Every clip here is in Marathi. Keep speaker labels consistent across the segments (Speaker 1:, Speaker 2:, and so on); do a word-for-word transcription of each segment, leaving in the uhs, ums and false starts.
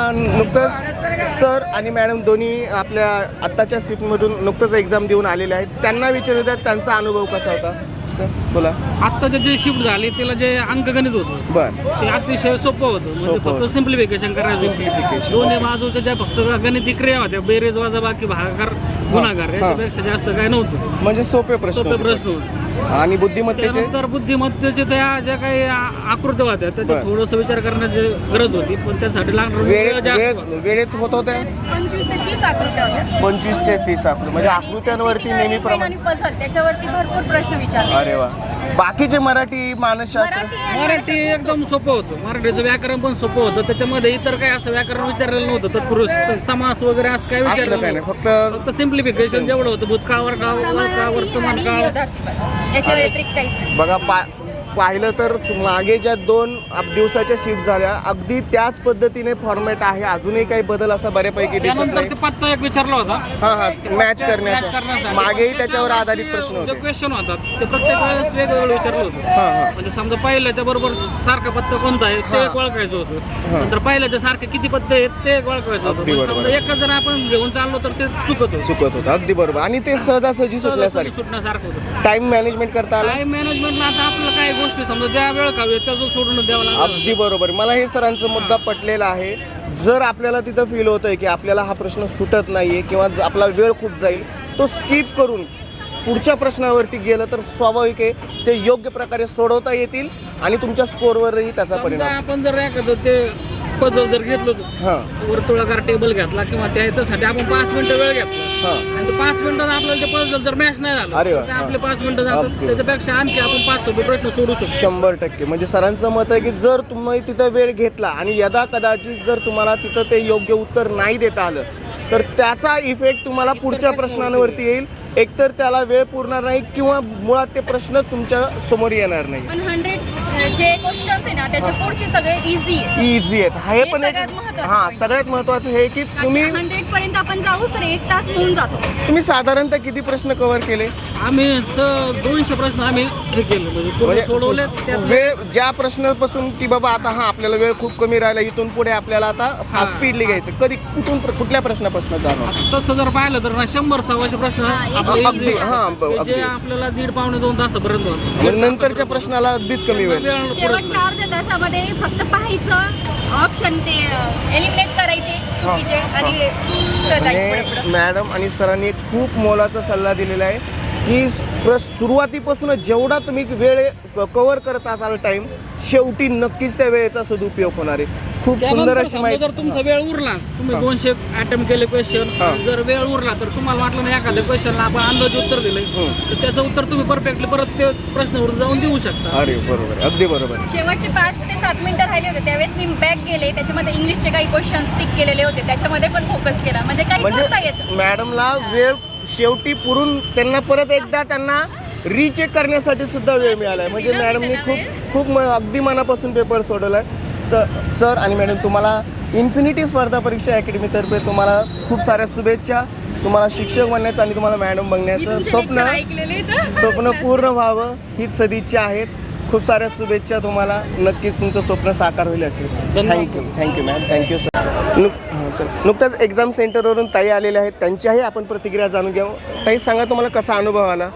Speaker 1: नुकतंच सर आणि मॅडम दोन्ही आपल्या आत्ताच्या शिफ्टमधून नुकतंच एक्झाम देऊन आलेले आहेत. त्यांना विचारू द्या त्यांचा अनुभव कसा होता. सर बोला.
Speaker 2: आत्ताचे जे शिफ्ट झाले त्याला जे अंकगणित होतं
Speaker 1: बरं
Speaker 2: ते अतिशय सोपं होतं. म्हणजे
Speaker 1: सोपं
Speaker 2: फक्त सिम्प्लिफिकेशन करायचं.
Speaker 1: Simplification.
Speaker 2: दोन्ही बाजूच्या ज्या फक्त गणिती क्रिया होत्या बेरीज वजाबाकी भागाकार गुणाकार याच्यापेक्षा जास्त काय नव्हतं.
Speaker 1: म्हणजे सोपे प्रश्न
Speaker 2: सोपे
Speaker 1: होते.
Speaker 2: प्रश्न होते.
Speaker 1: आणि बुद्धिमत्तेचे
Speaker 2: त्यानंतर बुद्धिमत्तेचे त्या ज्या काही आ- आकृत्या होत्या त्याच्यात
Speaker 1: बरं.
Speaker 2: थोडंसं विचार करण्याची गरज होती पण त्यासाठी लागणार वेळ
Speaker 1: वेळेत
Speaker 2: जास्त
Speaker 1: वेळेत
Speaker 2: होता.
Speaker 1: वेळेत होत होत्या
Speaker 3: पंचवीस ते तीस आकृत्या होत्या
Speaker 1: पंचवीस ते तीस आकृती म्हणजे आकृत्यांवरती नेहमीप्रमाणे.
Speaker 3: आणि पझल त्याच्यावरती भरपूर प्रश्न विचारले.
Speaker 1: अरे वा. बाकीचे मराठी मानसशास्त्र
Speaker 3: मराठी आणि
Speaker 2: मराठी एकदम सोपं होतं. मराठीचं व्याकरण पण सोपं होतं. त्याच्यामध्ये इतर काही असं व्याकरण विचारलेलं नव्हतं. तत्पुरुष समास वगैरे असं काही
Speaker 1: असलं
Speaker 2: विचारलं
Speaker 1: काय नाही
Speaker 2: नव्हतं.
Speaker 1: फक्त
Speaker 2: फक्त सिम्प्लिफिकेशन जेवढं होतं भूतकाळवर काळ काळ वर्तमान काळ
Speaker 3: विरोधार्थी बस याच्या व्यतिरिक्त काहीच नाही.
Speaker 1: बघा पा पाहिलं तर मागे ज्या दोन अब- दिवसाच्या शिफ्ट झाल्या अगदी त्याच पद्धतीने फॉर्मॅट आहे. अजूनही काही बदल असा बऱ्यापैकी दिसत
Speaker 2: त्यानंतर
Speaker 1: नाही.
Speaker 2: ते पत्ता एक विचारला होता.
Speaker 1: हा हा मॅच
Speaker 2: मॅच
Speaker 1: करण्याचा
Speaker 2: करण्यासाठी.
Speaker 1: मागेही त्याच्यावर आधारित प्रश्न
Speaker 2: जे
Speaker 1: होते.
Speaker 2: क्वेश्चन होतात ते प्रत्येक वेळेस वेगवेगळं विचारलं होतं.
Speaker 1: हा हा
Speaker 2: म्हणजे समजा पहिल्याच्या बरोबर सारखा पत्ता कोणता आहे ते एक ओळखायचं होतं. नंतर पहिल्याच्या सारखे किती पत्ते आहेत ते एक ओळखायचं होतं.
Speaker 1: अगदी
Speaker 2: म्हणजे
Speaker 1: बरोबर.
Speaker 2: समजा एकच जर आपण घेऊन चाललो तर ते चुकत होतं.
Speaker 1: चुकत होतं अगदी बरोबर. आणि ते सहजासहजी
Speaker 2: सहजासहजी
Speaker 1: सुटण्यासारखं
Speaker 2: सुटण्यासारखं होतं.
Speaker 1: टाइम मॅनेजमेंट करता आलं.
Speaker 2: टाइम मॅनेजमेंटला आता आपल्याला काही गोष्टी समजा ज्या वेळ खावी त्याचं सोडून द्यावं लागतं.
Speaker 1: अगदी बरोबर. मला हे सरांचा मुद्दा पटलेला आहे. जर आपल्याला तिथं फील होतंय की आपल्याला हा प्रश्न सुटत नाहीये किंवा ज- आपला वेळ खूप जाईल तो स्किप करून पुढच्या प्रश्नावरती गेलं तर स्वाभाविक आहे ते योग्य प्रकारे सोडवता येतील आणि तुमच्या स्कोअरवरही त्याचा
Speaker 2: समजा
Speaker 1: परिणाम.
Speaker 2: आपण जर एखादं ते पझल जर घेतलं होतं
Speaker 1: हां
Speaker 2: वर्तुळाकार टेबल घेतला किंवा त्याच्यासाठी आपण पाच मिनिटं वेळ घेतला
Speaker 1: हां
Speaker 2: आणि ते पाच मिनिटात आपल्याला ते पझल जर मॅच नाही झालं
Speaker 1: अरे वा,
Speaker 2: तर ते
Speaker 1: हा.
Speaker 2: आपले पाच मिनिटं जातात.
Speaker 1: अगदी.
Speaker 2: त्याच्यापेक्षा आणखी आपण पाच सहा प्रश्न सोडू शकतो.
Speaker 1: शंभर टक्के. म्हणजे सरांचं मत आहे की जर तुम्ही तिथं वेळ घेतला आणि यदा कदाचित जर तुम्हाला तिथं ते योग्य उत्तर नाही देता आलं तर त्याचा इफेक्ट तुम्हाला पुढच्या प्रश्नांवरती येईल. एकतर त्याला वेळ पुरणार नाही किंवा मुळात ते प्रश्न तुमच्या समोर येणार नाही.
Speaker 3: पण हंड्रेड जे क्वेश्चन्स आहे ना त्याचे पुढचे सगळे इझी आहे.
Speaker 1: इझी आहेत. हे
Speaker 3: हे
Speaker 1: पण एक
Speaker 3: सगळ्यात महत्त्वाचं
Speaker 1: हां
Speaker 3: point.
Speaker 1: सगळ्यात महत्त्वाचं हे की तुम्ही
Speaker 3: हंड्रेड पर्यंत आपण जाऊ तर एक तास होऊन जातो.
Speaker 1: तुम्ही साधारणतः किती प्रश्न कव्हर केले.
Speaker 2: आम्ही स दोनशे प्रश्न आम्ही हे केले म्हणजे पूर्ण
Speaker 1: म्हणजे
Speaker 2: सोडवले. त्यात
Speaker 1: वेळ ज्या प्रश्नापासून की बाबा आता हा आपल्याला वेळ खूप कमी राहिला इथून पुढे आपल्याला आता
Speaker 2: हा.
Speaker 1: स्पीडली घ्यायचं कधी कुठून कुठल्या प्रश्नापासून जाणार.
Speaker 2: तसं जर पाहिलं तर ना शंभर सव्वाशे प्रश्न आपले
Speaker 1: अगदी,
Speaker 2: easy
Speaker 1: हां,
Speaker 2: आहेत.
Speaker 1: ब-
Speaker 2: जे
Speaker 1: अगदी.
Speaker 2: आपल्याला दीड पावणे दोन तासापर्यंत होतं.
Speaker 1: मग नंतरच्या प्रश्नाला अगदीच कमी वेळ.
Speaker 2: वेळ पुरत
Speaker 3: शेवटच्या
Speaker 2: नाही.
Speaker 3: अर्ध्या तासामध्ये फक्त पाहायचं ऑप्शन ते एलिमिनेट करायचे चुकीचे आणि चला पुढे
Speaker 1: म्हणजे
Speaker 3: पुढे.
Speaker 1: मॅडम आणि सरांनी एक खूप मोलाचा सल्ला दिलेला आहे की प्र- सुरुवातीपासूनच जेवढा तुम्ही वेळ कव्हर करत असाल टाइम शेवटी नक्कीच त्या वेळेचा सदुपयोग होणार आहे. खूप सुंदर
Speaker 2: त्यानंतर
Speaker 1: अशी
Speaker 2: समजा
Speaker 1: माहिती.
Speaker 2: जर तुमचा वेळ उरलाच तुम्ही दोनशे अटेम्प्ट केले क्वेश्चन
Speaker 1: हा.
Speaker 2: जर वेळ उरला तर तुम्हाला वाटलं ना एखाद्या क्वेश्चनला आपण अंदाजे उत्तर दिलंय
Speaker 1: हं.
Speaker 2: तर त्याचं उत्तर तुम्ही परफेक्टली परत ते प्रश्नावर जाऊन देऊ शकता.
Speaker 1: अरे बरोबर अगदी बरोबर.
Speaker 3: शेवटचे पाच ते सात मिनिटं राहिले होते त्यावेळेस मी बॅक गेले त्याच्यामध्ये इंग्लिशचे काही क्वेश्चन्स टिक केलेले होते त्याच्यामध्ये पण फोकस केला म्हणजे काही करता येतं.
Speaker 1: म्हणजे मॅडमला वेळ शेवटी पुरून त्यांना परत एकदा त्यांना रिचेक करण्यासाठी सुद्धा वेळ मिळाला आहे. म्हणजे मॅडमनी खूप खूप म- अगदी मनापासून पेपर सोडवला आहे. सर सर आणि मॅडम तुम्हाला इन्फिनिटी स्पर्धा परीक्षा अकॅडमीतर्फे तुम्हाला खूप साऱ्या शुभेच्छा. तुम्हाला शिक्षक बनण्याचं आणि तुम्हाला मॅडम
Speaker 3: मी
Speaker 1: बनण्याचं
Speaker 3: तुमचे
Speaker 1: स्वप्न
Speaker 3: lecture ऐकलेले तर.
Speaker 1: स्वप्न पूर्ण व्हावं हीच सदिच्छा आहेत. खूप साऱ्या शुभेच्छा तुम्हाला. नक्कीच तुमचं स्वप्न साकार होईल असेल.
Speaker 2: धन्यवाद.
Speaker 1: Thank you thank you ma'am thank you sir. नुक हां चल नुकताच एक्झाम सेंटरवरून ताई आलेल्या आहेत त्यांच्याही आपण प्रतिक्रिया जाणून घ्यावं. ताई सांगा तुम्हाला कसा अनुभव आला.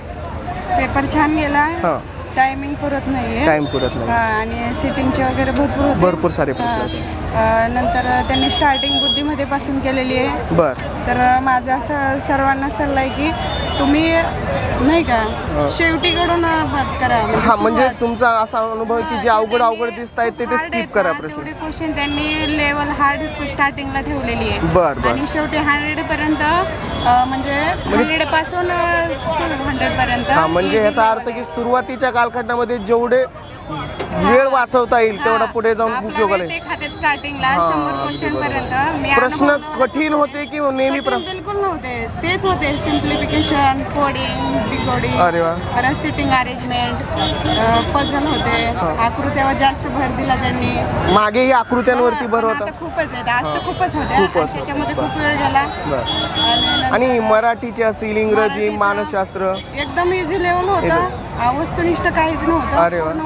Speaker 4: पेपर छान गेला.
Speaker 1: हां
Speaker 4: टायमिंग पुरत नाहीये.
Speaker 1: टाइम पुरत नाही.
Speaker 4: हा, आणि सिटिंगचे वगैरे भरपूर होते.
Speaker 1: भरपूर सारे
Speaker 4: हा.
Speaker 1: प्रश्न होते.
Speaker 4: अ, नंतर त्यांनी स्टार्टिंग बुद्धीमध्ये पासून केलेली आहे.
Speaker 1: बर
Speaker 4: तर माझा असं सर्वांना सल्ला आहे की तुम्ही नाही का शेवटीकडून बात करा.
Speaker 1: हा म्हणजे
Speaker 4: सुरुवात.
Speaker 1: तुमचा असा अनुभव आहे की जे अवघड अवघड दिसत आहेत ते ते
Speaker 4: Hard
Speaker 1: स्किप
Speaker 4: आहेत
Speaker 1: करा
Speaker 4: ना,
Speaker 1: प्रश्न.
Speaker 4: तेवढे क्वेश्चन त्यांनी लेवल हार्ड स्टार्टिंगला ठेवलेली आहे.
Speaker 1: बर बर
Speaker 4: आणि शेवटी हंड्रेड पर्यंत अ, म्हणजे हंड्रेड पासून हंड्रेड पर्यंत
Speaker 1: हा म्हणजे
Speaker 4: easy
Speaker 1: ह्याचा अर्थ
Speaker 4: level
Speaker 1: की
Speaker 4: आहे.
Speaker 1: सुरुवातीच्या कालखंडामध्ये जेवढे वेळ वाचवता येईल तेवढा पुढे जाऊन
Speaker 4: आपला
Speaker 1: उपयोगाला
Speaker 4: वेळ
Speaker 1: येईल.
Speaker 4: ते खात्यात स्टार्टिंगला
Speaker 1: हा,
Speaker 4: शंभर
Speaker 1: अगदी
Speaker 4: क्वेश्चन
Speaker 1: बरोबर.
Speaker 4: पर्यंत मी
Speaker 1: प्रश्न
Speaker 4: अनुभव-
Speaker 1: कठीण होते की नेहमी प्र
Speaker 4: कठीण बिलकुल नव्हते. तेच होते सिम्प्लिफिकेशन कोडिंग डिकोडिंग
Speaker 1: अरे वा.
Speaker 4: परत सिटिंग अरेंजमेंट पझल होते. आकृत्यावर जास्त भर दिला त्यांनी.
Speaker 1: मागेही आकृत्यांवरती भर
Speaker 4: पण
Speaker 1: होता.
Speaker 4: आता खूपच आहे आज तर खूपच होत्या
Speaker 1: खूपच
Speaker 4: आणि त्याच्यामध्ये खूप वेळ गेला.
Speaker 1: बर
Speaker 4: आणि नंतर
Speaker 1: आणि मराठीचे असेल इंग्रजी
Speaker 4: मराठीचं
Speaker 1: मानसशास्त्र
Speaker 4: एकदम इझी लेवल होतं. वस्तुनिष्ठ काहीच नव्हतं.
Speaker 1: अरे वा.
Speaker 4: पूर्ण उपयोजन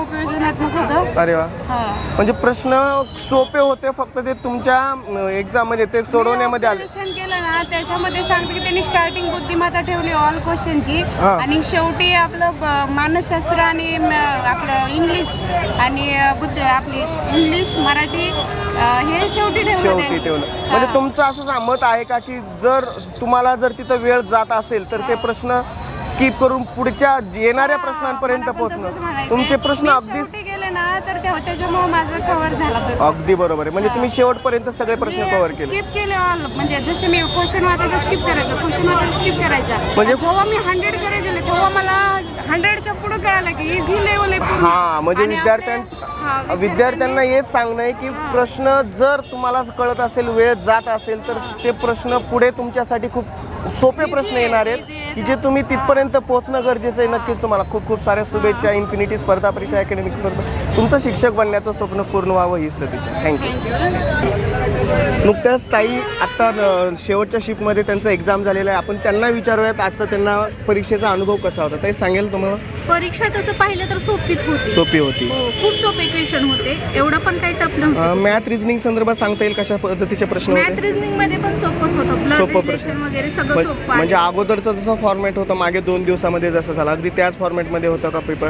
Speaker 4: गुणात्मक होतं.
Speaker 1: अरे वा,
Speaker 4: हा.
Speaker 1: म्हणजे प्रश्न सोपे होते, फक्त ते तुमच्या एक्झाम मध्ये ते सोडवण्यामध्ये आले.
Speaker 4: Observation केलं ना त्याच्यामध्ये सांगते की त्यांनी स्टार्टिंग बुद्धिमत्ता ठेवली ऑल क्वेश्चनची
Speaker 1: हा.
Speaker 4: आणि शेवटी आपलं ब- मानसशास्त्र आणि म- आपलं इंग्लिश आणि अ, बुद्ध आपली इंग्लिश मराठी अ, हे शेवटी ठेवलं
Speaker 1: शेवटी
Speaker 4: त्यांनी.
Speaker 1: ठेवलं.
Speaker 4: हा.
Speaker 1: म्हणजे तुमचं असं मत आहे का की जर तुम्हाला जर तिथं वेळ जात असेल तर ते प्रश्न स्किप करून पुढच्या येणाऱ्या
Speaker 4: हा,
Speaker 1: प्रश्नांपर्यंत
Speaker 4: मला पण तसंच
Speaker 1: पोहोचणं,
Speaker 4: म्हणायचंय.
Speaker 1: तुमचे प्रश्न
Speaker 4: मी
Speaker 1: अगदी
Speaker 4: शेवटी गेले ना तर त्या- त्याच्यामुळे माझं कव्हर झाला paper.
Speaker 1: अगदी बरोबर आहे. म्हणजे तुम्ही शेवटपर्यंत सगळे प्रश्न कव्हर केले.
Speaker 4: स्किप केले ऑल, म्हणजे जसे मी क्वेश्चन वाचायचा स्किप करायचा, क्वेश्चन वाचायचा स्किप करायचा.
Speaker 1: म्हणजे-
Speaker 4: जेव्हा मी हंड्रेड कडे गेले तेव्हा मला हंड्रेडच्या पुढे कळालं की इझी लेवल आहे पूर्ण.
Speaker 1: हा, म्हणजे
Speaker 4: आणि
Speaker 1: विद्यार्थ्यां
Speaker 4: आपल्या- हा,
Speaker 1: विद्यार्थ्यांना हेच सांगणं आहे की प्रश्न जर तुम्हाला कळत असेल, वेळ जात असेल तर ते प्रश्न पुढे तुमच्यासाठी खूप सोपे प्रश्न येणार आहेत की जे तुम्ही तिथपर्यंत पोहोचणं गरजेचं आहे. नक्कीच तुम्हाला खूप खूप साऱ्या शुभेच्छा. इन्फिनिटी स्पर्धा परीक्षा अकॅडमिक स्पर्धा तुमचं शिक्षक बनण्याचं स्वप्न पूर्ण व्हावं ही सदिच्छा. थँक्यू. नुकत्याच ताई आत्ता अ, शेवटच्या शिफ्टमध्ये त्यांचा एक्झाम झालेला आहे. आपण त्यांना विचारूयात आजचा त्यांना परीक्षेचा अनुभव कसा होता. ताई सांगेल तुम्हाला?
Speaker 3: परीक्षा तसं पाहिलं तर सोपीच होती.
Speaker 1: सोपी होती.
Speaker 3: हो, खूप सोपे क्वेश्चन होते, एवढं पण काही टफ नव्हतं.
Speaker 1: मॅथ रिझनिंग संदर्भात सांगता येईल कशा पद्धतीचे प्रश्न
Speaker 3: मॅथ
Speaker 1: होते?
Speaker 3: रिझनिंग मध्ये पण सोपंच होतं, ब्लड
Speaker 1: सोपं
Speaker 3: रिलेशन
Speaker 1: प्रश्न.
Speaker 3: वगैरे सगळं
Speaker 1: म्हण-
Speaker 3: सोपं आहे.
Speaker 1: म्हणजे अगोदरचा जसा फॉर्मॅट होता मागे दोन दिवसामध्ये जसं झाला अगदी त्याच फॉर्मॅटमध्ये होता का पेपर?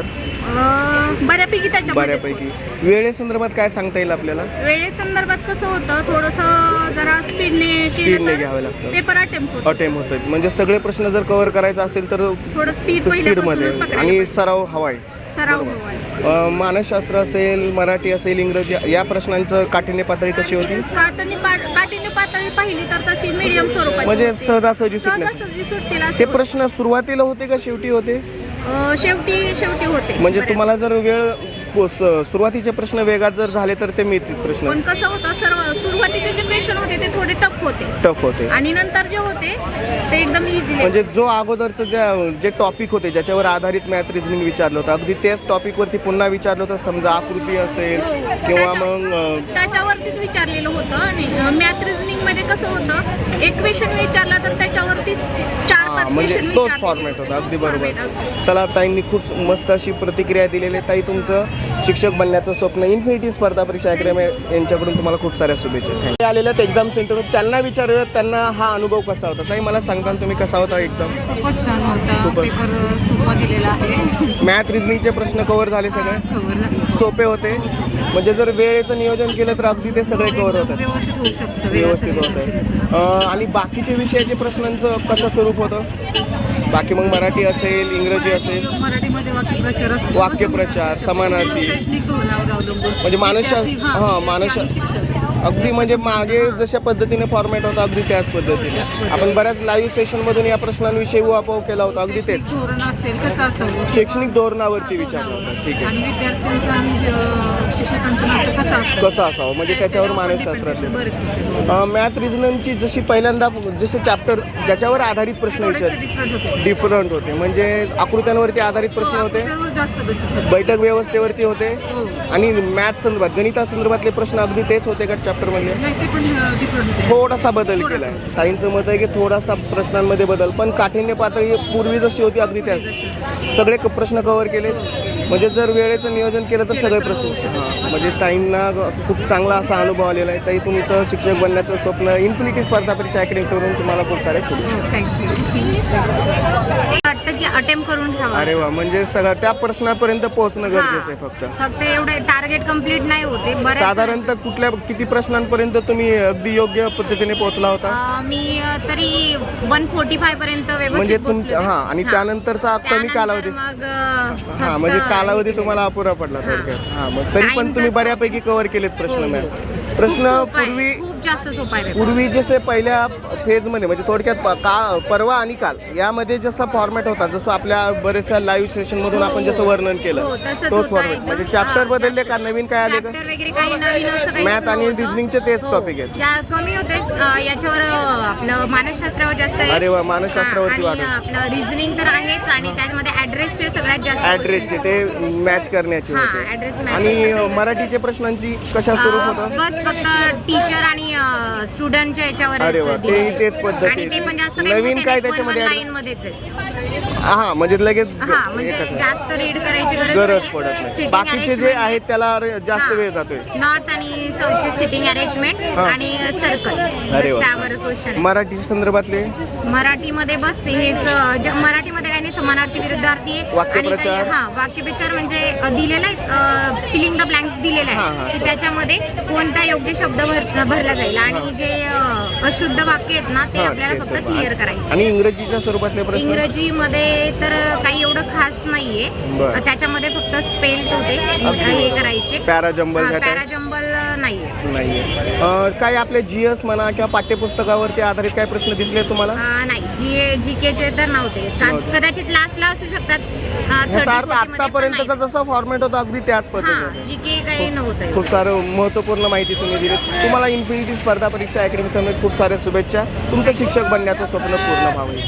Speaker 3: अं, बऱ्यापैकी त्याच्यामध्ये
Speaker 1: बऱ्यापैकी. वेळेसंदर्भात काय सांगता येईल आपल्याला?
Speaker 3: वेळेसंदर्भात कसं होतं, थोडंसं जरा स्पीडने
Speaker 1: स्पीडने
Speaker 3: केलं
Speaker 1: घ्यावं
Speaker 3: तर
Speaker 1: लागतं.
Speaker 3: पेपर अटेम्प्ट होतो.
Speaker 1: अटेम्प होतं. म्हणजे सगळे प्रश्न जर कव्हर करायचा असेल तर
Speaker 3: थोडं स्पीड
Speaker 1: स्पीडमध्ये
Speaker 3: पहिल्यापासूनच पकडायला
Speaker 1: आणि
Speaker 3: पाहिजे.
Speaker 1: सराव हवाय.
Speaker 3: सराव हवाय.
Speaker 1: अ, मानसशास्त्र असेल, मराठी असेल, इंग्रजी या प्रश्नांचं काठिण्य पातळी कशी होती?
Speaker 3: काठिण्य पा- काठिण्य पातळी पाहिली तर तशी मीडियम स्वरूपाची
Speaker 1: म्हणजे
Speaker 3: होती.
Speaker 1: सहजासहजी सुटण्यास
Speaker 3: सहजासहजी सुटतील असे
Speaker 1: ते
Speaker 3: होते.
Speaker 1: प्रश्न सुरुवातीला होते का शेवटी होते?
Speaker 3: अं, शेवटी शेवटी होते
Speaker 1: म्हणजे
Speaker 3: बऱ्यापैकी.
Speaker 1: तुम्हाला जर वेळ स- सुरुवातीचे प्रश्न वेगात जर झाले तर ते मिळतील प्रश्न
Speaker 3: पण कसं होतं, सर्व सुरुवातीचे जे क्वेश्चन होते ते थोडे टफ होते
Speaker 1: टफ होते.
Speaker 3: आणि नंतर जे होते ते एकदम इझी.
Speaker 1: म्हणजे जो अगोदरचं जे जे टॉपिक होते ज्याच्यावर आधारित मॅथ रिझनिंग विचारलं होतं अगदी त्याच टॉपिकवरती पुन्हा विचारलं होतं. समजा आकृती असेल किंवा मग अ,
Speaker 3: त्याच्यावरतीच विचारलेलं होतं. आणि मॅथ रिझनिंग मध्ये कसं होतं, एक क्वेश्चन विचारला तर त्याच्यावरतीच चार
Speaker 1: हा,
Speaker 3: पाच
Speaker 1: म्हणजे
Speaker 3: क्वेश्चन
Speaker 1: तोच फॉर्मॅट होता. अगदी बरोबर. चला, ताईंनी खूप मस्त अशी प्रतिक्रिया दिलेली आहे. ताई, तुमचं शिक्षक बनण्याचं स्वप्न इन्फिनिटी स्पर्धा परीक्षा अकॅडमी यांच्याकडून तुम्हाला खूप साऱ्या शुभेच्छा. थँक्यू. आलेल्या एक्झाम सेंटर त्यांना विचारूयात त्यांना हा अनुभव कसा होता. ताई, मला सांगताल तुम्ही कसा होता एक्झाम?
Speaker 5: खूपच छान होता.
Speaker 1: खूपच.
Speaker 5: पेपर सोपा दिलेला आहे.
Speaker 1: मॅथ रिझनिंगचे प्रश्न कव्हर झाले सगळे?
Speaker 5: कव्हर झाले.
Speaker 1: सोपे होते. म्हणजे जर वेळेचं नियोजन केलं तर अगदी ते सगळे कव्हर होतात.
Speaker 5: व्यवस्थित होऊ शकतं.
Speaker 1: व्यवस्थित होत आहे. आणि बाकीचे विषयाचे प्रश्नांचं कसं स्वरूप होतं? बाकी मग मराठी असेल, इंग्रजी असेल,
Speaker 5: मराठीमध्ये वाक्यप्रचार असतो.
Speaker 1: वाक्यप्रचार, समानार्थी.
Speaker 5: शैक्षणिक धोरणावर अवलंबून
Speaker 1: म्हणजे मानसशास्त्र
Speaker 5: विद्यार्थी, हां,
Speaker 1: हां
Speaker 5: विद्यार्थी आणि
Speaker 1: मानसशास्त्र
Speaker 5: शिक्षक.
Speaker 1: अगदी म्हणजे मागे जशा पद्धतीने फॉर्मॅट होता अगदी त्याच पद्धतीने. आपण बऱ्याच लाईव्ह सेशनमधून या प्रश्नांविषयी उहापोह केला होता. अगदी तेच
Speaker 5: शैक्षणिक धोरण असेल कसं असावं,
Speaker 1: शैक्षणिक धोरणावरती विचारलं होतं. ठीक आहे.
Speaker 5: आणि विद्यार्थ्यांचं आणि अं, शिक्षकांचं नातं कसं असतं,
Speaker 1: कसं असावं म्हणजे त्याच्यावर मानसशास्त्र असेल.
Speaker 5: बरेच होते.
Speaker 1: मॅथ रिझनिंगची जशी पहिल्यांदा जसे चॅप्टर ज्याच्यावर आधारित प्रश्न
Speaker 5: थोडेसे
Speaker 1: विचार
Speaker 5: डिफरंट होते.
Speaker 1: डिफरंट होते. म्हणजे आकृत्यांवरती आधारित प्रश्न होते,
Speaker 5: त्यावर जास्त बेसिस होते.
Speaker 1: बैठक व्यवस्थेवरती होते
Speaker 5: हो.
Speaker 1: आणि मॅथ संदर्भात गणितासंदर्भातले प्रश्न अगदी तेच होते का चॅप्टरमध्ये?
Speaker 5: नाही, ते पण डिफरंट होते.
Speaker 1: थोडासा बदल
Speaker 5: थोडासा.
Speaker 1: केला आहे. ताईंचं मत आहे की थोडासा प्रश्नांमध्ये बदल, पण काठिण्य पातळी पूर्वी जशी होती अगदी त्याच सगळे क- प्रश्न कव्हर केले. म्हणजे जर वेळेचं नियोजन केलं तर सगळे प्रश्न. हां, म्हणजे ताईंना खूप चांगला असा अनुभव आलेला आहे. ताई, तुमचं शिक्षक बनण्याचं स्वप्न इन्फिनिटी स्पर्धा परीक्षा अकॅडमीकडून तुम्हाला खूप सारे शुभेच्छा.
Speaker 5: थँक्यू.
Speaker 3: वाटतं की अटेम्प्ट करून ठेवा.
Speaker 1: अरे वा, म्हणजे सगळं त्या प्रश्नापर्यंत पोहोचणं गरजेचं आहे फक्त.
Speaker 3: फक्त एवढे टार्गेट कम्प्लीट नाही होते. बऱ्याच
Speaker 1: साधारणतः कुठल्या किती प्रश्नांपर्यंत तुम्ही अगदी योग्य पद्धतीने पोहोचला होता?
Speaker 3: अं, मी अं, तरी वन फोर्टी फाय पर्यंत व्यवस्थित
Speaker 1: म्हणजे
Speaker 3: पोहोचले
Speaker 1: तुमच्या
Speaker 3: होते.
Speaker 1: हां आणि
Speaker 3: हां.
Speaker 1: त्यानंतरचा कमी
Speaker 3: त्यानंतर
Speaker 1: कालावधी.
Speaker 3: मग अं,
Speaker 1: हां,
Speaker 3: फक्त
Speaker 1: म्हणजे कालावधी तुम्हाला अपुरा पडला थोडक्यात. हां, मग तरी पण तुम्ही बऱ्यापैकी कव्हर केलेत प्रश्न.
Speaker 3: हो, हो.
Speaker 1: मॅम प्रश्न
Speaker 3: सोपं आहे,
Speaker 1: पूर्वी
Speaker 3: खूप जास्त सोपा आहे.
Speaker 1: पूर्वी जसे पहिल्या फेजमध्ये म्हणजे थोडक्यात प- का परवा आणि काल यामध्ये जसा फॉर्मॅट होता, जसं आपल्या बऱ्याचशा लाईव्ह सेशनमधून आपण जसं वर्णन
Speaker 3: हो,
Speaker 1: केलं
Speaker 3: तसंच
Speaker 1: तोच
Speaker 3: होतं
Speaker 1: फॉर्मॅट.
Speaker 3: एकदम.
Speaker 1: म्हणजे चॅप्टर
Speaker 3: हां,
Speaker 1: बदलले
Speaker 3: जास्त.
Speaker 1: का नवीन काय आले का?
Speaker 3: चॅप्टर वगैरे काही नवीन असं काही
Speaker 1: मॅथ आणि
Speaker 3: नव्हतं.
Speaker 1: रिझनिंगचे तेच
Speaker 3: हो.
Speaker 1: टॉपिक आहेत.
Speaker 3: ज्या कमी होते अं, याच्यावर अं, आपलं मानसशास्त्रावर जास्त आहे.
Speaker 1: अरे वा, मानसशास्त्रावरती
Speaker 3: हां, आणि
Speaker 1: वाढव.
Speaker 3: आपलं रिझनिंग तर आहेच आणि त्यामध्ये ऍड्रेसचे सगळ्यात जास्त
Speaker 1: ॲड्रेसचे ते मॅच करण्याचे
Speaker 3: हां,
Speaker 1: होते.
Speaker 3: address match
Speaker 1: आणि
Speaker 3: करण्याचे.
Speaker 1: अ, मराठीचे प्रश्नांची कशा स्वरूप
Speaker 3: अं,
Speaker 1: होतं?
Speaker 3: बस फक्त टीचर आणि स्टुडंटच्या याच्यावर
Speaker 1: अरे वा, तेही तेच पद्धती.
Speaker 3: आणि ते पण जास्त काही
Speaker 1: नवीन
Speaker 3: मोठे
Speaker 1: काय
Speaker 3: नाही,
Speaker 1: त्याच्यामध्ये
Speaker 3: one one
Speaker 1: add-
Speaker 3: line मध्येच आहे.
Speaker 1: हा म्हणजे लगेच
Speaker 6: हा म्हणजे
Speaker 1: एकच आहे.
Speaker 6: जास्त रीड करायची गरज
Speaker 1: गरज
Speaker 6: नाहीये.
Speaker 1: पडत नाही.
Speaker 6: Sitting
Speaker 1: बाकीचे जे
Speaker 6: arrangement
Speaker 1: आहेत त्याला रे- जास्त
Speaker 6: हा.
Speaker 1: वेळ जातोय.
Speaker 6: नॉर्थ आणि साऊथचे सिटिंग अरेंजमेंट
Speaker 1: हा.
Speaker 6: आणि सर्कल
Speaker 1: अरे वा.
Speaker 6: त्यावर क्वेश्चन.
Speaker 1: मराठी संदर्भातले
Speaker 6: मराठीमध्ये बस हेच अ, ज- मराठीमध्ये काही नाही समानार्थी विरुद्धार्थी आणि
Speaker 1: वाक्यप्रचार.
Speaker 6: काही हा वाक्यप्रचार म्हणजे अ, दिलेलं आहे फिलिंग द ब्लँक्स दिलेलं
Speaker 1: हा, हा.
Speaker 6: आहे की त्याच्यामध्ये कोणता योग्य शब्द भर भरला जाईल आणि जे अ, अशुद्ध वाक्य आहेत ना ते
Speaker 1: हा,
Speaker 6: आपल्याला
Speaker 1: ते
Speaker 6: फक्त
Speaker 1: सर्व.
Speaker 6: क्लिअर करायचे.
Speaker 1: आणि इंग्रजीच्या स्वरूपातले प्रश्न
Speaker 6: इंग्रजीमध्ये तर काही एवढं खास नाहीये.
Speaker 1: बरं.
Speaker 6: त्याच्यामध्ये फक्त स्पेल्ड होते हे करायचे.
Speaker 1: पॅराजंबल ह्या टाईप?
Speaker 6: पॅराजंबल नाहीये.
Speaker 1: नाहीये. अ, काय आपले जीएस म्हणा किंवा पाठ्यपुस्तकावरती आधारित काय प्रश्न दिसले तुम्हाला?
Speaker 6: अ, नाही जी जी केचे तर नव्हते का-
Speaker 1: नव्हते.
Speaker 6: कदाचित लास्टला असू शकतात. अ,
Speaker 1: ह्याचा
Speaker 6: thirty,
Speaker 1: अर्थ
Speaker 6: forty मध्ये पण
Speaker 1: आतापर्यंतचा
Speaker 6: नाही.
Speaker 1: जसा फॉर्मॅट होता अगदी त्याच
Speaker 6: हा
Speaker 1: पद्धतीने
Speaker 6: जी के काही नव्हतं.
Speaker 1: खूप सारं महत्त्वपूर्ण माहिती तुम्ही दिली. तुम्हाला इन्फिनिटी स्पर्धा परीक्षा अकॅडमीतर्फे खूप साऱ्या शुभेच्छा. तुमचं शिक्षक बनण्याचं स्वप्न पूर्ण व्हावं.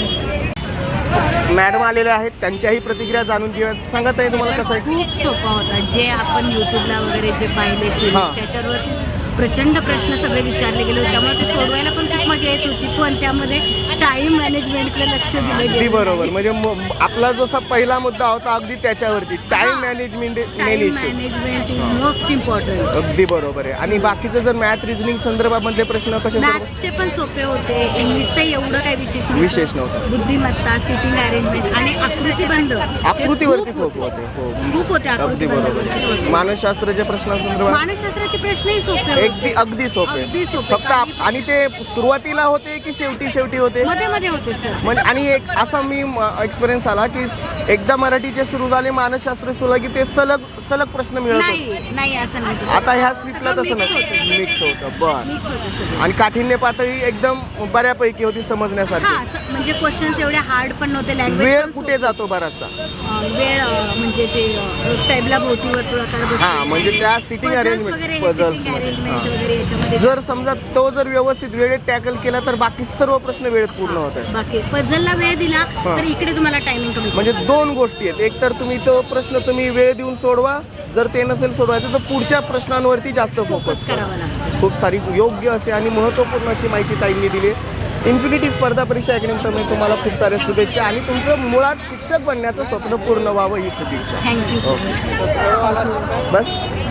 Speaker 6: थँक्यू.
Speaker 1: मॅडम आलेल्या आहेत, त्यांच्याही प्रतिक्रिया जाणून घेऊया. सांगत आहे तुम्हाला कसं आहे?
Speaker 7: खूप सोपा होता. जे आपण युट्यूबला वगैरे जे पाहिले
Speaker 1: हा.
Speaker 7: सिरीज त्याच्यावरती प्रचंड प्रश्न सगळे विचारले गेले होते. त्यामुळे ते सोडवायला पण खूप मजा येत होती. पण त्यामध्ये टाइम मॅनेजमेंटकडे लक्ष दिलं
Speaker 1: अगदी
Speaker 7: गेलं.
Speaker 1: बरोबर. म्हणजे म- आपला जसा पहिला मुद्दा होता अगदी त्याच्यावरती time management main
Speaker 7: time
Speaker 1: issue.
Speaker 7: Management is most important.
Speaker 1: अगदी बरोबर आहे. आणि बाकीचं जर मॅथ रिझनिंग संदर्भामधले प्रश्न कसे सोडव-
Speaker 7: मॅथ्सचे पण सोपे होते. इंग्लिशचं एवढं काही विशेष नव्हतं.
Speaker 1: विशेष नव्हतं.
Speaker 7: बुद्धिमत्ता, सिटिंग अरेंजमेंट आणि आकृतीबंध हे
Speaker 1: आकृतीवरती
Speaker 7: खूप
Speaker 1: खूप होते. हो.
Speaker 7: खूप होते
Speaker 1: अगदी
Speaker 7: आकृतीबंधावरती
Speaker 1: बरोबर.
Speaker 7: प्रश्न.
Speaker 1: मानसशास्त्राच्या प्रश्नांसंदर्भात
Speaker 7: मानसशास्त्राचे प्रश्नही सोपे
Speaker 1: अगदी
Speaker 7: होते.
Speaker 1: अगदी सोपे.
Speaker 7: अगदी सोपे.
Speaker 1: फक्त आप- आणि ते सुरुवातीला होते की शेवटी शेवटी होते?
Speaker 7: मध्ये मध्ये होते सर.
Speaker 1: म्हणजे आणि एक असा मी एक्सपिरियन्स आला की एकदा मराठीचे सुरू झाले मानसशास्त्र सुरू की ते सलग सलग प्रश्न मिळत होते.
Speaker 7: नाही नाही असं नव्हतं.
Speaker 1: आता ह्या स्ट्रीपला
Speaker 7: सगळं
Speaker 1: तसं
Speaker 7: mix
Speaker 1: नाही.
Speaker 7: होतं सर.
Speaker 1: मिक्स होतं. बर.
Speaker 7: मिक्स होतं सगळं.
Speaker 1: आणि काठिण्य पातळी एकदम बऱ्यापैकी होती समजण्यासाठी.
Speaker 7: हा स- म्हणजे क्वेश्चन्स एवढे हार्ड पण नव्हते. लँग्वेज
Speaker 1: वेळ कुठे जातो बराचसा?
Speaker 7: वेळ अं, म्हणजे ते टेबला भोवती वर्तुळाकार बसवणे.
Speaker 1: हा, म्हणजे त्या sitting
Speaker 7: Puzzles
Speaker 1: arrangement,
Speaker 7: वगैरे
Speaker 1: puzzles
Speaker 7: सिटिंग
Speaker 1: मध्ये.
Speaker 7: अरेंजमेंट
Speaker 1: हा.
Speaker 7: वगैरे याच्यामध्ये
Speaker 1: जर समजा तो जर व्यवस्थित वेळेत टॅकल केला तर बाकी सर्व प्रश्न वेळेत पूर्ण होत आहेत.
Speaker 7: बाकी पझलला वेळ दिला
Speaker 1: हा.
Speaker 7: तर इकडे तुम्हाला टायमिंग कमी
Speaker 1: म्हणजे दोन गोष्टी आहेत. एक तर तुम्ही तो प्रश्न तुम्ही वेळ देऊन सोडवा, जर ते नसेल सोडवायचं तर पुढच्या प्रश्नांवरती जास्त फोकस
Speaker 7: फोकस
Speaker 1: करा.
Speaker 7: करावा लागतो.
Speaker 1: खूप सारी योग्य असे आणि महत्त्वपूर्ण अशी माहिती ताईंनी दिली. इन्फिनिटी स्पर्धा परीक्षा अकॅडमीतर्फे तुम्हाला खूप साऱ्या शुभेच्छा आणि तुमचं मुळात शिक्षक बनण्याचं स्वप्न पूर्ण व्हावं ही शुभेच्छा.
Speaker 7: Thank you sir.
Speaker 1: बस